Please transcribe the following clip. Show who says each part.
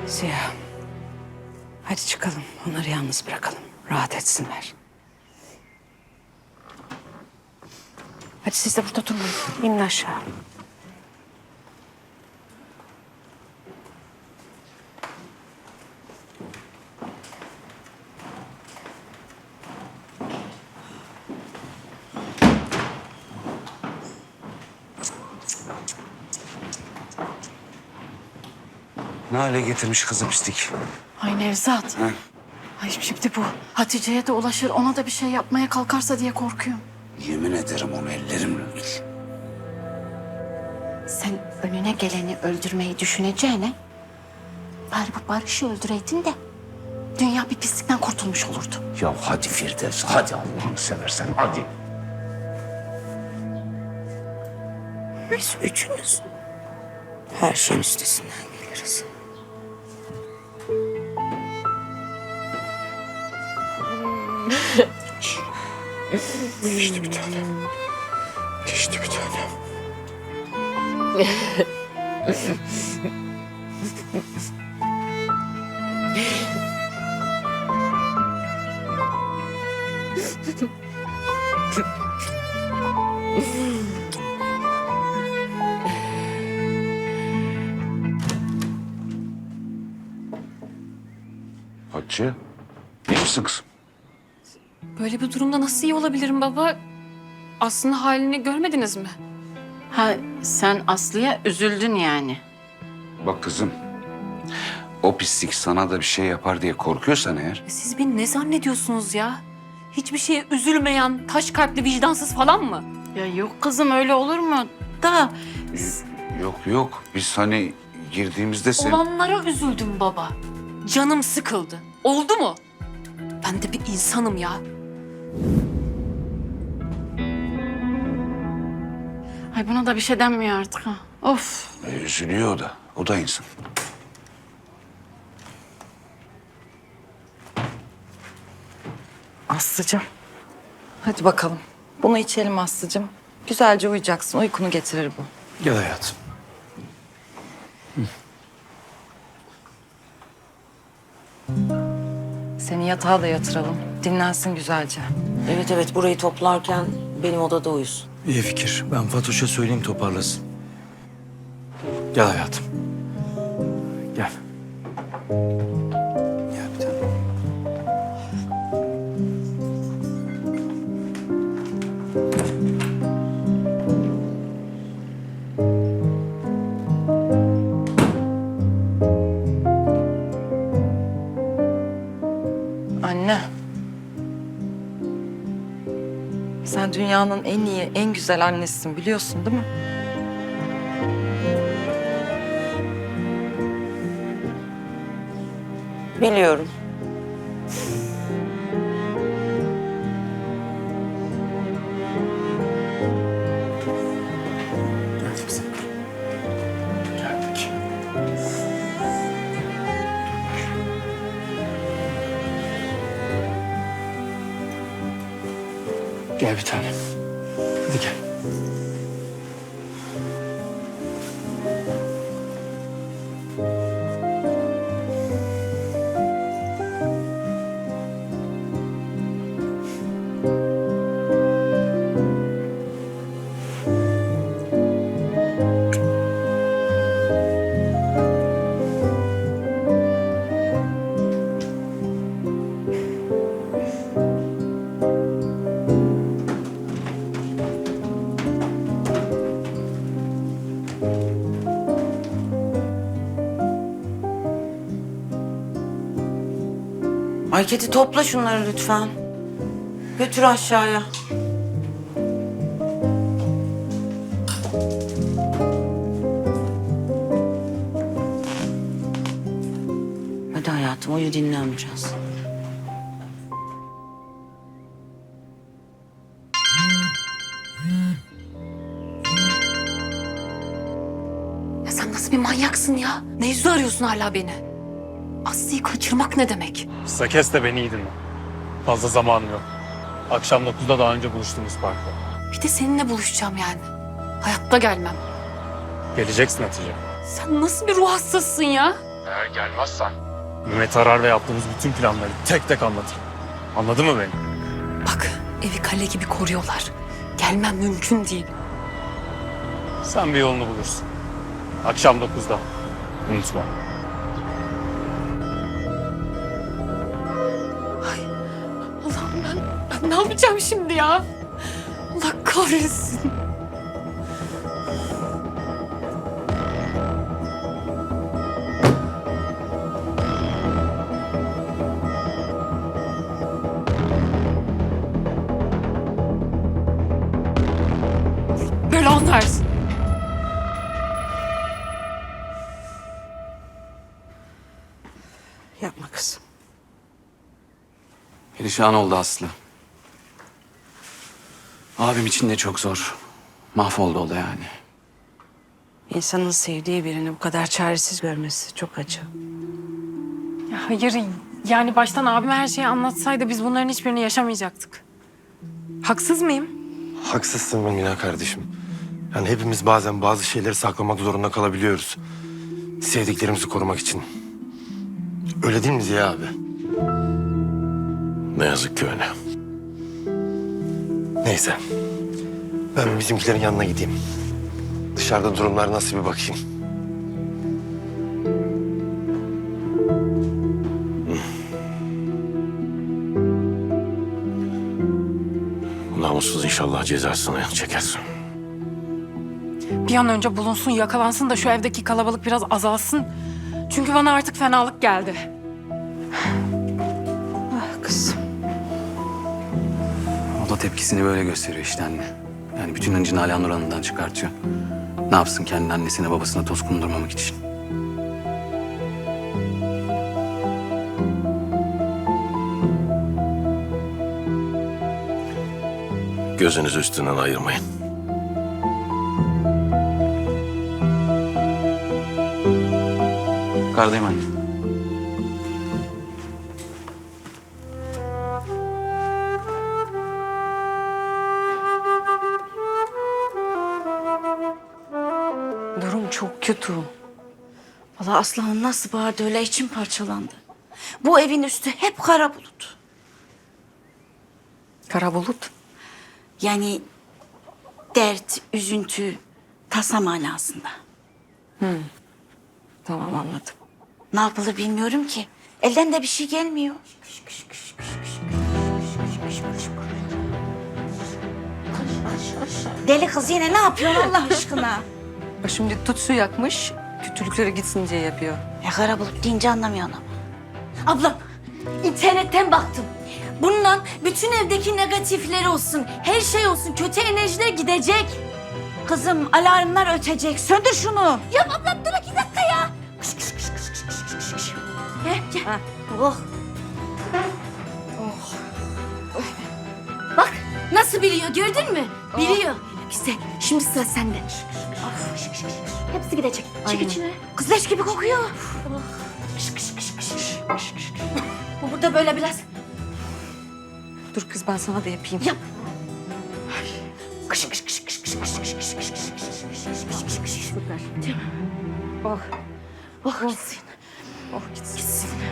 Speaker 1: Ziya. Hadi çıkalım. Onları yalnız bırakalım. Rahat etsinler. Hadi siz de burada durmayın. İnin aşağı.
Speaker 2: Ne hale getirmiş kızı pislik.
Speaker 3: Ay Nevzat.
Speaker 2: Ha?
Speaker 3: Ay şimdi bu Hatice'ye de ulaşır, ona da bir şey yapmaya kalkarsa diye korkuyorum.
Speaker 2: Yemin ederim onu ellerimle öldür.
Speaker 3: Sen önüne geleni öldürmeyi düşüneceğine bari bu Barış'ı öldüreydin de dünya bir pislikten kurtulmuş olurdu.
Speaker 2: Ya hadi Firdevs, hadi Allah'ını seversen hadi.
Speaker 1: Biz üçümüz her şeyin üstesinden geliriz.
Speaker 2: Geçti bir tanem. Geçti bir tanem. Hatice, iyi misin kızım?
Speaker 4: Böyle bir durumda nasıl iyi olabilirim baba? Aslında halini görmediniz mi?
Speaker 3: Ha sen Aslı'ya üzüldün yani.
Speaker 2: Bak kızım, o pislik sana da bir şey yapar diye korkuyorsan eğer...
Speaker 4: Siz beni ne zannediyorsunuz ya? Hiçbir şeye üzülmeyen, taş kalpli, vicdansız falan mı?
Speaker 3: Ya yok kızım öyle olur mu? Da
Speaker 2: Yok, biz hani girdiğimizde sen...
Speaker 4: Olanlara üzüldüm baba. Canım sıkıldı. Oldu mu? Ben de bir insanım ya.
Speaker 3: ay buna da bir şey denmiyor artık ha. Of.
Speaker 2: Üzülüyor o da. O da insan.
Speaker 5: Aslıcığım. Hadi bakalım. Bunu içelim Aslıcığım. Güzelce uyuyacaksın. Uykunu getirir bu.
Speaker 6: Gel hayatım.
Speaker 5: Seni yatağa da yatıralım. Dinlensin güzelce.
Speaker 1: Evet burayı toplarken benim odada uyusun.
Speaker 6: İyi fikir. Ben Fatoş'a söyleyeyim toparlasın. Gel hayatım. Gel. Gel bir tane.
Speaker 5: Anne. Sen dünyanın en iyi, en güzel annesisin biliyorsun değil mi?
Speaker 1: Biliyorum.
Speaker 6: Geldik sen. Geldik. Gel bir tane. Hadi gel.
Speaker 1: Marketi topla şunları lütfen. Götür aşağıya. Hadi hayatım uyu dinlen biraz.
Speaker 4: Ya sen nasıl bir manyaksın ya? Ne yüzle arıyorsun hala beni? Aslı'yı kaçırmak ne demek?
Speaker 7: Kısa kes de beni iyi dinle. Fazla zamanım yok. Akşam 9'da daha önce buluştuğumuz parkta.
Speaker 4: Bir de seninle buluşacağım yani. Hayatta gelmem.
Speaker 7: Geleceksin Hatice.
Speaker 4: Sen nasıl bir ruh hastasısın ya?
Speaker 7: Eğer gelmezsen Mehmet Arar'la yaptığımız bütün planları tek tek anlatırım. Anladın mı beni?
Speaker 4: Bak evi kale gibi koruyorlar. Gelmem mümkün değil.
Speaker 7: Sen bir yolunu bulursun. Akşam 9'da. Unutma.
Speaker 4: Allah'ım ben ne yapacağım şimdi ya? Allah kahretsin. Belanı versin.
Speaker 1: Yapma kızım.
Speaker 6: Perişan oldu Aslı. Abim için de çok zor. Mahvoldu o da yani.
Speaker 1: İnsanın sevdiği birini bu kadar çaresiz görmesi çok acı.
Speaker 8: Ya hayır, yani baştan abime her şeyi anlatsaydı biz bunların hiçbirini yaşamayacaktık. Haksız mıyım?
Speaker 9: Haksızsın Mina kardeşim. Yani hepimiz bazen bazı şeyleri saklamak zorunda kalabiliyoruz. Sevdiklerimizi korumak için. Öyle değil mi Ziya abi? Ne yazık ki öyle. Neyse. Ben bizimkilerin yanına gideyim. Dışarıda durumlar nasıl bir bakayım. Namussuz inşallah cezasını çekersin.
Speaker 8: Bir an önce bulunsun, yakalansın da şu evdeki kalabalık biraz azalsın. Çünkü bana artık fenalık geldi.
Speaker 1: Ah kızım.
Speaker 6: O da tepkisini böyle gösteriyor işte anne. Yani bütün hıncını Alanur Hanım'dan çıkartıyor. Ne yapsın kendi annesine babasına toz kondurmamak için.
Speaker 9: Gözünüzü üstünden ayırmayın.
Speaker 6: Yukarıdayım anne.
Speaker 1: Durum çok kötü. Vallahi Aslan'ın nasıl bağırdı öyle içim parçalandı. Bu evin üstü hep kara bulut.
Speaker 4: Kara bulut.
Speaker 1: Yani dert, üzüntü, tasa manasında.
Speaker 4: Tamam anladım.
Speaker 1: Ne yapılır bilmiyorum ki. Elden de bir şey gelmiyor. Deli kız yine ne yapıyorsun Allah aşkına?
Speaker 4: O şimdi tütsü yakmış, kötülükleri gitsin diye yapıyor.
Speaker 1: Ya kara bulut deyince anlamıyorsun ama. Ablam, internetten baktım. Bununla bütün evdeki negatifleri olsun, her şey olsun, kötü enerjiler gidecek. Kızım alarmlar ötecek, söndür şunu. Ya ablam dur 2 dakika ya. Kış kış kış kış kış kış kış kış. Gel. Oh. Bak nasıl biliyor gördün mü? Biliyor. Güzel. Şimdi sıra sende. Hepsi gidecek. Çık içine. Kız leş gibi kokuyor. Kış kış kış kış kış. Bu burada böyle biraz.
Speaker 4: Dur kız ben sana da yapayım.
Speaker 1: Yap. Kış kış kış kış kış kış kış kış kış kış kış.
Speaker 4: Süper.
Speaker 1: Oh. Oh gitsin.
Speaker 4: Oh gitsin.
Speaker 1: Gitsin.